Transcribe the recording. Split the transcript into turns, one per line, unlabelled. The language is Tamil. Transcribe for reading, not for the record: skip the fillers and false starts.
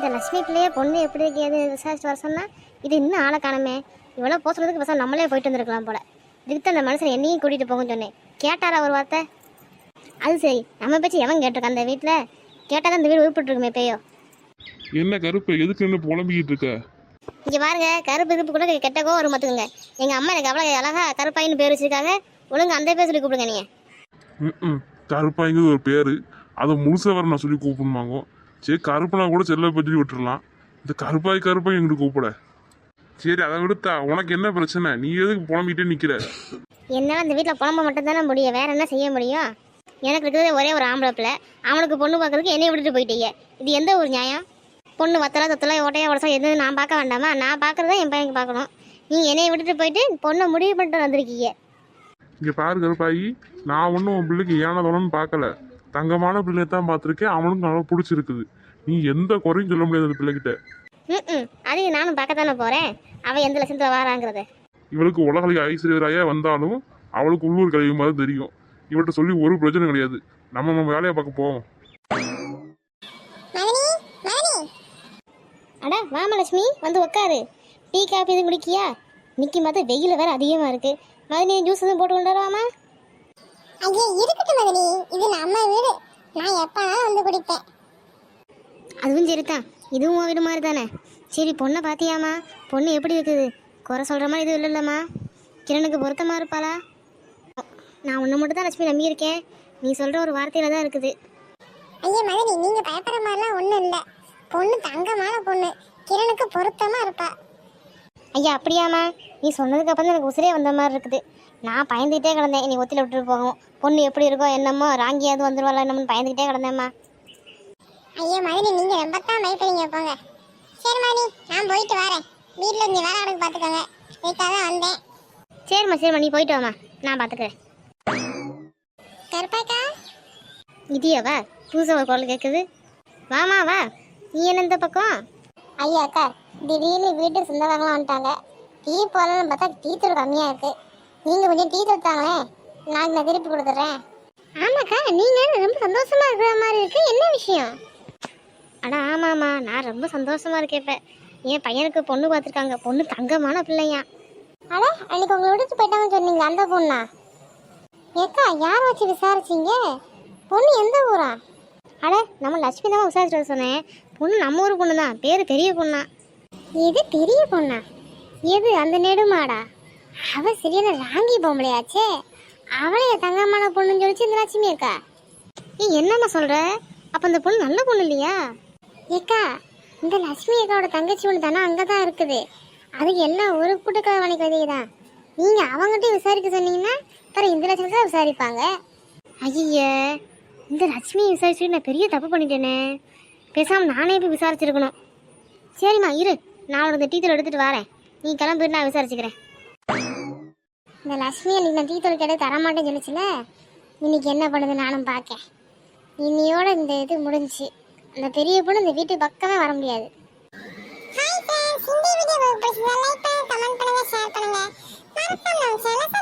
இந்த லட்சுமி பிள்ளைய பொண்ணு எப்படி இருக்கேது விசாரிச்சு வர சொன்னா இது இன்னும் ஆளை காணமே. இவ்வளோ போக சொல்றதுக்கு பசங்க நம்மளே போயிட்டு வந்திருக்கலாம் போல. இதுக்கு அந்த மனுஷன் என்னையும் கூட்டிகிட்டு போகும்னு சொன்னேன். கேட்டாரா ஒரு வார்த்தை? அது சரி, நம்ம பேச்சு எவன் கேட்டிருக்கான் அந்த வீட்டில்? கேட்டால் இந்த வீடு உருப்பிட்டு இருக்குமே பேயோ.
என்ன கருப்பு எதுக்கு என்ன புலம்பிக்கிட்டு இருக்க?
இங்கே பாருங்க, கருப்பு இருப்பு கூட கெட்டக்கோ ஒரு மத்துக்குங்க. எங்கள் அம்மா எனக்கு அவ்வளோ அழகா கருப்பாயின்னு பேர் வச்சிருக்காங்க. ஒழுங்கு அந்த பேர் சொல்லி கூப்பிடுங்க நீங்கள்.
கருப்பாய்ங்கிறது ஒரு பேர், அதை முழுசாக வர நான் சொல்லி கூப்பிடுமாங்க. சரி, கருப்புனா கூட செல்ல பற்றி விட்டுடலாம். இந்த கருப்பாய் கருப்பாய் எங்கிட்ட கூப்பிட. சரி, அதை விடுத்தா உனக்கு என்ன பிரச்சனை? நீ எதுக்கு புலம்பிக்கிட்டே நிற்கிற?
என்னால் இந்த வீட்டில் புலம்ப மட்டும் தானே முடியும், வேற என்ன செய்ய முடியும்? எனக்கு இருக்கிறது ஒரே ஒரு ஆம்பளை பிள்ளை. அவனுக்கு பொண்ணு பார்க்கறதுக்கு என்னைய விட்டுட்டு போயிட்டீங்க. இது எந்த ஒரு நியாயம்? பொண்ணு வத்தலை தொத்தலை ஓட்டையா உடச்சா எதுவும் நான் பார்க்க வேண்டாமா? நான் பார்க்குறத என் பையனுக்கு பார்க்கணும். நீங்கள் என்னைய விட்டுட்டு போயிட்டு பொண்ணை முடிவு பண்ணிட்டு வந்திருக்கீங்க.
இங்கே பாரு கருப்பாயி, நான் ஒன்றும் உன் பிள்ளைக்கு ஏனதோன்னு பார்க்கல. தங்கமான பிள்ளையை தான் பார்த்துருக்கேன். அவனுக்கு நல்லா பிடிச்சிருக்குது. நீ எந்த குறையும் சொல்ல முடியாது அந்த பிள்ளைகிட்ட.
அது நானும் பார்க்கத்தானே போகிறேன், அவன் எந்த லட்சத்தில் வாராங்கிறத.
இவளுக்கு உலக ஐஸ்வர்யராயா வந்தாலும் அவளுக்கு உள்ளூர் கழிவு மாதிரி தெரியும். இவள்கிட்ட சொல்லி ஒரு பிரச்சனை கிடையாது. நம்ம வேலையை பார்க்க போவோம்.
அடா வாமலட்சுமி, வந்து உட்காரு. டீ காஃபி எதுவும் குடிக்கியா? நிற்கி மாத்த வெயில் வேற அதிகமாக இருக்கு. மதினி ஜூஸ் எதுவும் போட்டு கொண்டு வரவாமா?
ஐயா இருக்கட்டும் மதினி, இது நம்ம வீடு, நான் எப்பனாலும் வந்து குடிப்பேன்.
அதுவும் சரிதான், இதுவும் உன் வீடு மாதிரி தானே. சரி, பொண்ணை பார்த்தியாமா? பொண்ணு எப்படி இருக்குது? குறை சொல்கிற மாதிரி எதுவும் இல்லைல்லம்மா? கிரணுக்கு பொருத்தமாக இருப்பாளா? நான் உன்னை மட்டும் தான் லட்சுமி நம்பியிருக்கேன். நீ சொல்கிற ஒரு வார்த்தையில் தான் இருக்குது.
ஐயா மதினி, நீங்கள் பயப்படுற மாதிரிலாம் ஒன்றும் இல்லை. பொண்ணு தங்கமான பொண்ணு, கிரணுக்கு பொருத்தமாக இருப்பா.
ஐயா அப்படியாம்மா? நீ சொன்னதுக்கு அப்புறம் தான் எனக்கு உசிரே வந்த மாதிரி இருக்குது. நான் பயந்துக்கிட்டே கிடந்தேன் நீ ஒத்தியில் விட்டுட்டு போகும். பொண்ணு எப்படி இருக்கோ என்னமோ, ராங்கியாவது வந்துடுவாள் என்னமோன்னு பயந்துக்கிட்டே கிடந்தேம்மா.
ஐயா மதினி, நீங்கள் ரொம்ப தான் பயப்படுங்க, போங்க. சரி மதினி, நான் போயிட்டு வரேன். வீட்டில் இங்கே வேலை கணக்கு பார்த்துக்கோங்க, இதுக்காக தான் வந்தேன்.
சரிம்மா நீ போயிட்டு வாம்மா, நான் பார்த்துக்கிறேன்.
கருப்பாக்கா,
இதியாவா? புதுசாக ஒரு குரல் கேட்குது. வாமா வா. நீ என்ன இந்த பக்கம்?
ஐயா அக்கா, திடீர்னு வீட்டு சொந்தக்காரங்களாம் வந்துட்டாங்க. டீ போடலான்னு பார்த்தா டீ தூள் கம்மியாக இருக்குது. நீங்கள் கொஞ்சம் டீ தூள் தாங்களேன், நான் திருப்பி கொடுத்துட்றேன்.
ஆமாக்கா, நீங்கள் ரொம்ப சந்தோஷமாக இருக்கிற மாதிரி இருக்குது. என்ன விஷயம்? அடா ஆமாம்மா, நான் ரொம்ப சந்தோஷமாக இருக்கேன். இப்போ என் பையனுக்கு பொண்ணு பார்த்துருக்காங்க. பொண்ணு தங்கமான பிள்ளையா.
அட, அன்னைக்கு உங்களை விட்டுட்டு போயிட்டாங்கன்னு சொன்னீங்க, அந்த பொண்ணா? ஏக்கா, யாரை வச்சு விசாரிச்சிங்க? பொண்ணு எந்த ஊரா?
அட, நம்ம லட்சுமி தான் விசாரிச்சுட்டு சொன்னேன். பொண்ணு நம்ம ஊர் பொண்ணு தான், பேர் பெரிய பொண்ணா.
எது பெரிய பொண்ணா? எது அந்த நெடுமாடா? அவ சரியான ராங்கி பொம்பளையாச்சே. அவளே தங்கமான பொண்ணுன்னு சொல்லிச்சு இந்த லட்சுமி அக்கா.
நீ என்னம்மா சொல்கிற? அப்போ அந்த பொண்ணு நல்ல பொண்ணு இல்லையா?
ஏக்கா, இந்த லட்சுமி அக்காவோட தங்கச்சி ஒன்று தானே அங்கே தான் இருக்குது. அது எல்லாம் ஒரு கூட்டுக்கார வணிக விதை தான். நீங்கள் அவங்ககிட்ட விசாரிக்க சொன்னீங்கன்னா அப்புறம் இந்த லட்சம் தான் விசாரிப்பாங்க.
ஐய, இந்த லட்சுமியை விசாரிச்சுட்டு நான் பெரிய தப்பு பண்ணிட்டேனே. பேசாமல் நானே போய் விசாரிச்சிருக்கணும். சரிம்மா இரு, நான் உனக்கு டீ தூள் எடுத்துகிட்டு வரேன். நீ கிளம்பிட்டு நான் விசாரிச்சுக்கிறேன்.
இந்த லட்சுமி அன்னைக்கு நான் டீ தூள் கேட்டு தரமாட்டேன்னு சொல்லிச்சுல, இன்னைக்கு என்ன பண்ணுது நானும் பார்க்கேன். இன்னையோட இந்த இது முடிஞ்சு. அந்த பெரிய பொண்ணு இந்த வீட்டு பக்கமே வர முடியாது. ஹாய் ஃப்ரெண்ட்ஸ், இந்த வீடியோ உங்களுக்கு பிடிச்சிருந்தா லைக் பண்ணுங்க, கமெண்ட் பண்ணுங்க, ஷேர் பண்ணுங்க. மறக்காம நம்ம சேனலை